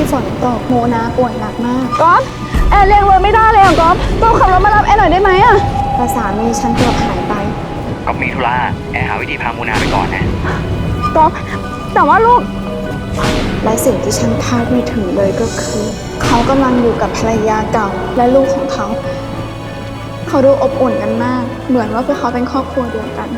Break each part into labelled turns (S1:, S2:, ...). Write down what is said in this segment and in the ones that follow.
S1: ฝนตกโมนาป่วยหนักมาก
S2: ก๊อฟแอร์เรียกรถไม่ได้เลยอ่ะก๊อฟขับรถมารับแอร์หน่อยได้ไหมอ่ะ
S1: แต่สามีฉันเกือบหายไป
S3: ก็มีธุระแอร์หาวิธีพามูนาไปก่อนนะ
S2: ก๊อฟแต่ว่าลูก
S1: และสิ่งที่ฉันคาดไม่ถึงเลยก็คือเขากำลังอยู่กับภรรยาเก่าและลูกของเขาดูอบอุ่นกันมากเหมือนว่าพวกเขาเป็นครอบครัวเดียวกัน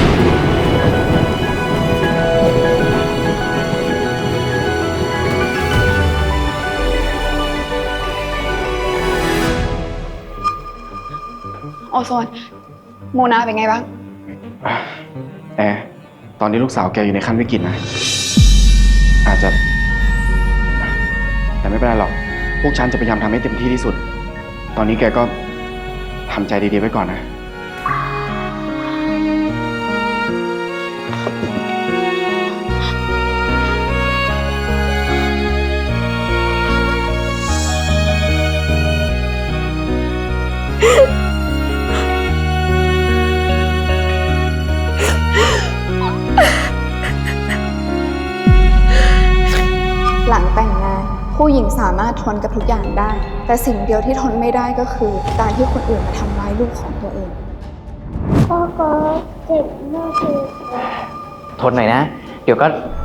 S2: โอโซนโมนาเป็นไงบ้าง
S4: แอร์ตอนนี้ลูกสาวแกอยู่ในขั้นวิกฤตนะอาจจะแต่ไม่เป็นไรหรอกพวกฉันจะพยายามทำให้เต็มที่ที่สุดตอนนี้แกก็ทำใจดีๆไว้ก่อนนะ
S1: หลังแต่งงานผู้หญิงสามารถทนกับทุกอย่างได้แต่สิ่งเดียวที่ทนไม่ได้ก็คือการที่คนอื่นมาทำร้ายลูกของตัวเอง
S5: พ่อก็เจ็บมากเลย
S3: ทนหน่อยนะเดี๋ยวก็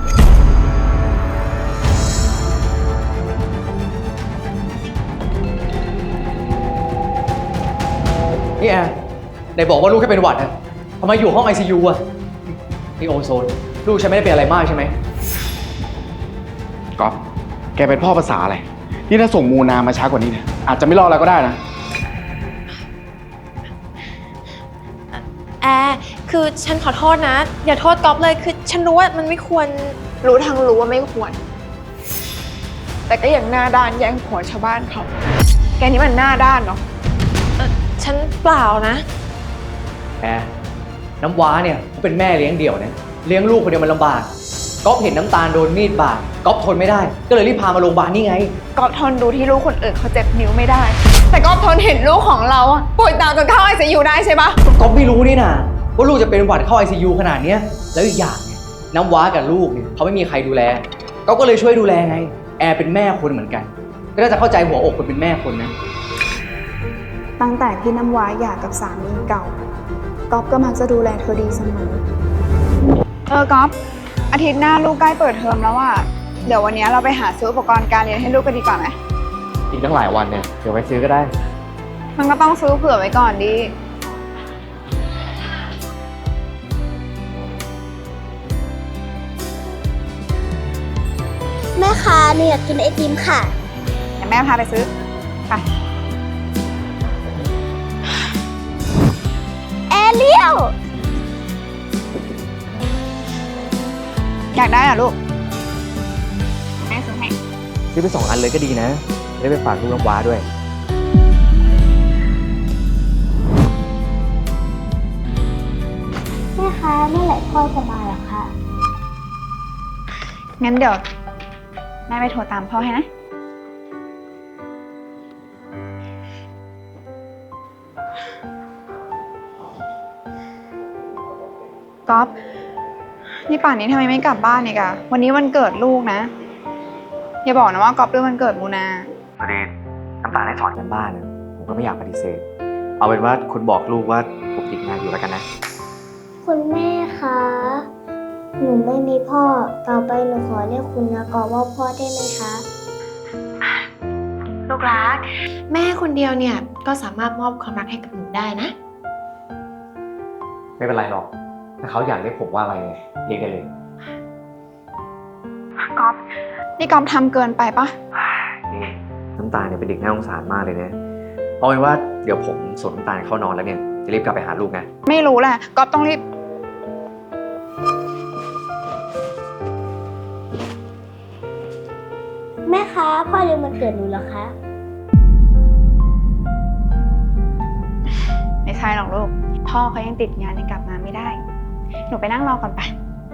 S6: นี่แอร์ไหนบอกว่าลูกแค่เป็นหวัดอะทำไมอยู่ห้อง ICU อะนี่โอโซนลูกฉันไม่ได้เป็นอะไรมากใช่ไหม
S4: ก๊อฟแกเป็นพ่อภาษาอะไรนี่ถ้าส่งมูนามาช้ากว่านี้เนี่ยอาจจะไม่รอดแล้วก็ได้นะ
S7: แอร์คือฉันขอโทษนะอย่าโทษก๊อฟเลยคือฉันรู้ว่ามันไม่ควร
S2: รู้ทั้งรู้ว่าไม่ควรแต่ก็ยังหน้าด้านแย่งผัวชาวบ้านเขาแกนี่มันหน้าด้านเนาะ
S7: ฉันเปล่านะ
S6: แอร์น้ำว้าเนี่ยเขาเป็นแม่เลี้ยงเดี่ยวเนี่ยเลี้ยงลูกคนเดียวมันลำบากก๊อฟเห็นน้ำตาลโดนมีดบาดก๊อฟทนไม่ได้ก็เลยรีบพามาโรงพยาบาลนี่ไง
S2: ก๊อฟทนดูที่ลูกคนอื่นเขาเจ็บนิ้วไม่ได้แต่ก๊อฟทนเห็นลูกของเราป่วยตามจนเข้า ICU ได้ใช่ปะ
S6: ก๊อฟไม่รู้นี่นะว่าลูกจะเป็นหวัดเข้า ICU ขนาดนี้แล้วอีกอย่างเนี่ยน้ำว้ากับลูกเนี่ยเขาไม่มีใครดูแลก๊อฟก็เลยช่วยดูแลไงแอร์เป็นแม่คนเหมือนกันก็น่าจะเข้าใจหัวอกคนเป็นแม่คนนะ
S1: ตั้งแต่ที่น้ำว้าหย่ากับสามีเก่าก๊อฟก็มักจะดูแลเธอดีเสมอ
S2: ก๊อฟอาทิตย์หน้าลูกใกล้เปิดเทอมแล้วอ่ะเดี๋ยววันนี้เราไปหาซื้ออุปกรณ์การเรียนให้ลูกกันดีกว่าไหม
S6: อีกตั้งหลายวันเนี่ยเดี๋ยวไปซื้อก็ได้
S2: มันก็ต้องซื้อเผื่อไว้ก่อนดิ
S5: แม่คะหนูอยากกินไอติมค่ะ
S2: เดี๋ยวแม่พาไปซื้อไป
S5: แอเรียล
S2: อยากได้เหรอลูกแม่ซื้อให้
S6: ซื้อไป2 อันเลยก็ดีนะได้ไปฝากลูกน้ำว้าด้วย
S5: แม่คะเมื่อไหร่พ่อจะมาล่ะคะ
S2: งั้นเดี๋ยวแม่ไปโทรตามพ่อให้นะก๊อฟนี่ป่านนี้ทำไมไม่กลับบ้านอีกอะวันนี้วันเกิดลูกนะอย่าบอกนะว่าก๊อฟด้วยวันเกิดมูนา
S3: พอดีน้ำตาลให้สอน
S6: กันบ้านนะผมก็ไม่อยากปฏิเสธเอาเป็นว่าคุณบอกลูกว่าผมติดงานอยู่แล้วกันนะ
S5: คุณแม่คะหนูไม่มีพ่อต่อไปหนูขอเรียกคุณนะกอว่าพ่อได้ไหมคะ
S7: ลูกรักแม่คนเดียวเนี่ยก็สามารถมอบความรักให้กับหนูได้นะ
S6: ไม่เป็นไรหรอกถ้าเขาอยากเรียกผมว่าอะไรเรียกได้เลย
S2: ก๊อฟนี่ก๊อฟทำเกินไปปะ
S6: นี่น้ำตาลเนี่ยเป็นเด็กน่าสงสารมากเลยนะเอาเป็นว่าเดี๋ยวผมส่งน้ำตาลเข้านอนแล้วเนี่ยจะรีบกลับไปหาลูกนะ
S2: ไม่รู้แหละก๊อฟต้องรีบ
S5: แม่คะพ่อลืมวันเกิดหนูเหรอคะ
S2: ไม่ใช่หรอกลูกพ่อเขายังติดงานยังกลับมาไม่ได้หนูไปนั่งรอก่อนไป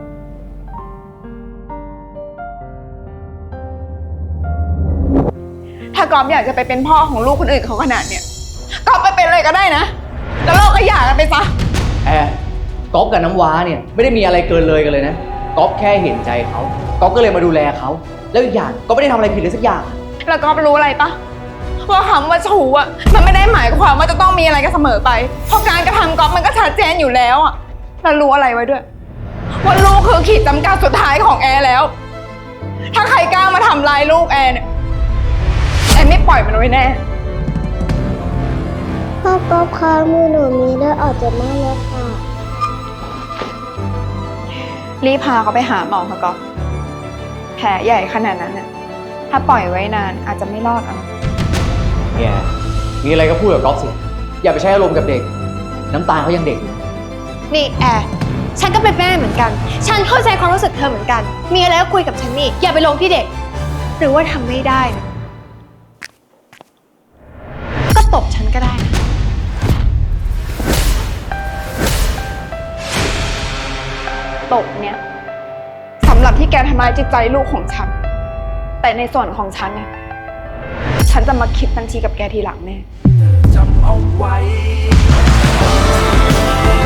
S2: ถ้าก๊อฟอยากจะไปเป็นพ่อของลูกคนอื่นเขาขนาดเนี้ยก๊อฟไปเป็นอะไรก็ได้นะแล้วเราก็หย่ากันไปซะ
S6: แอร์ก๊อฟกับน้ำว้าเนี่ยไม่ได้มีอะไรเกินเลยกันเลยนะก๊อฟแค่เห็นใจเขาก๊อฟก็เลยมาดูแลเขาแล้วอีกอย่างก็ไม่ได้ทำอะไรผิดเลยสักอย่าง
S2: แล้วก๊อฟรู้อะไรปะว่าคำว่าชู้อ่ะมันไม่ได้หมายความว่าจะต้องมีอะไรกันเสมอไปเพราะการกระทำก๊อฟมันก็ชัดเจนอยู่แล้วอ่ะแล้วรู้อะไรไว้ด้วยว่าลูกคือขีดจำกัดสุดท้ายของแอร์แล้ว ถ้าใครกล้ามาทำร้ายลูกแอร์เนี่ยแอร์ไม่ปล่อยมันไว้แน่
S5: พ่อก๊อฟคะมือหนูมีเลือดออกจากหน้าแล้วค่ะ
S2: รีบพาเขาไปหาหมอค่ะก๊อฟแผลใหญ่ขนาดนั้นน่ะถ้าปล่อยไว้นานอาจจะไม่รอดเอา
S6: เนี่ยมีอะไรก็พูดกับก๊อฟสิอย่าไปใช้อารมณ์กับเด็ก น้ำตาลเขายังเด็กอยู่
S7: นี่แอร์ฉันก็เป็นแม่เหมือนกัน ฉันเข้าใจความรู้สึกเธอเหมือนกัน มีอะไรก็คุยกับฉันนี่ อย่าไปลงที่เด็ก หรือว่าทำไม่ได้นะก็ตบฉันก็ได้นะ
S2: ตบเนี่ยสำหรับที่แกทำร้ายจิตใจลูกของฉัน แต่ในส่วนของฉันเนี่ยฉันจะมาคิดบัญชีกับแกทีหลังแน่
S8: จำเอาไว้